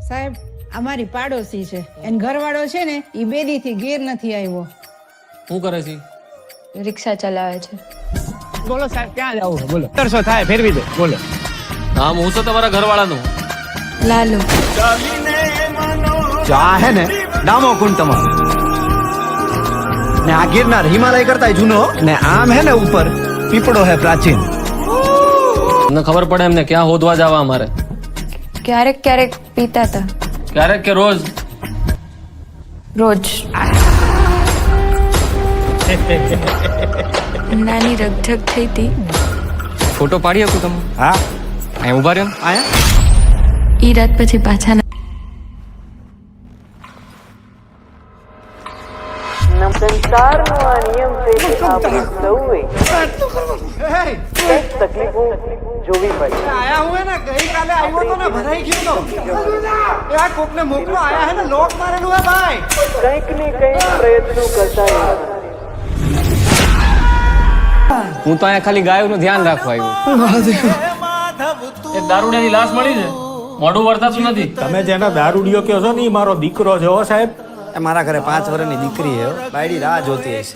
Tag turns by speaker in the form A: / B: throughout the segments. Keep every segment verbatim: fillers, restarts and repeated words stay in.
A: સાહેબ અમારી પાડોશી છે એન ઘરવાળો છે ને ઈ બેદી થી ઘેર નથી આવ્યો.
B: શું કરે છે?
C: રિક્ષા ચલાવે છે.
D: બોલો સાહેબ ક્યાં જવું છે બોલો. ત્રણસો થાય ફેરવી દો બોલો.
B: નામ હું છે તમારા ઘરવાળાનું?
C: લાલુ.
E: જો આ હે ને ડામો કુંડ તમારો ને આ ગિરનાર હિમાલય કરતા જૂનો ને આમ હે ને ઉપર પીપળો હે પ્રાચીન.
B: તમને ખબર પડે એમને ક્યાં હોદવા જવા અમારે?
C: ક્યારેક ક્યારેક પીતા હતા.
B: ક્યારેક કે રોજ?
C: રોજ. નાની રગઝગ થઈ હતી.
F: ફોટો પાડી શકું તમે?
E: હા
F: અહીંયા ઉભા રહ્યો ને.
E: આયા
C: ઈ રાત પછી પાછા ના.
G: સંસારનો આ નિયમ છે કે આપણે સૌએ કંઈક તકલીફો જોવી પડે.
E: આયા હું હે ને ગઈકાલે આવ્યો તો ને ભરાઈ ગયો તો એ આ કોકને મોકલો આયા હે ને લોક મારેલું હે ભાઈ.
G: કંઈક ને કંઈક પ્રયત્નો કરતા રહેવાના.
F: હું તો અહીંયા ખાલી ગાયોનું ધ્યાન રાખવા આવ્યો.
B: એક દારૂડિયાની લાશ મળી છે, મોઢું વર્તાતું નથી.
H: તમે જેના દારૂડિયો કહો છો ને એ મારો દીકરો છે હો સાહેબ.
E: એ મારા ઘરે પાંચ વર્ષની દીકરી હે બાયડી રાહ જોતી હશે.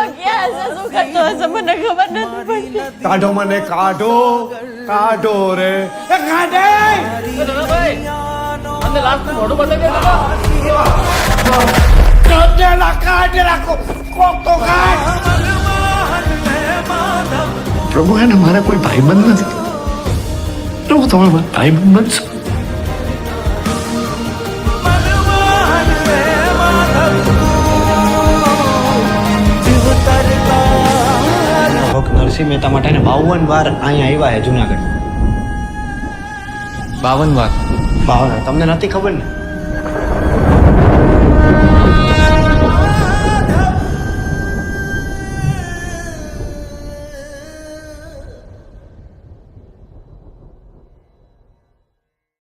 E: કાઢો મને કાઢો કાઢો રે એ કાઢે
B: ભાઈ મને લાશ મોઢું બતાવી દે.
E: કાઢેલા કાઢેલા કોક તો કાઢ.
I: પ્રભુ એને મારા કોઈ ભાઈબંધ નથી. પ્રભુ તમે ભાઈબંધ બનશો.
E: નરસિંહ મહેતા માટે બાવન વાર અહીંયા આવ્યા છે જુનાગઢ.
F: બાવન વાર?
E: બાવન તમને નથી ખબર ને?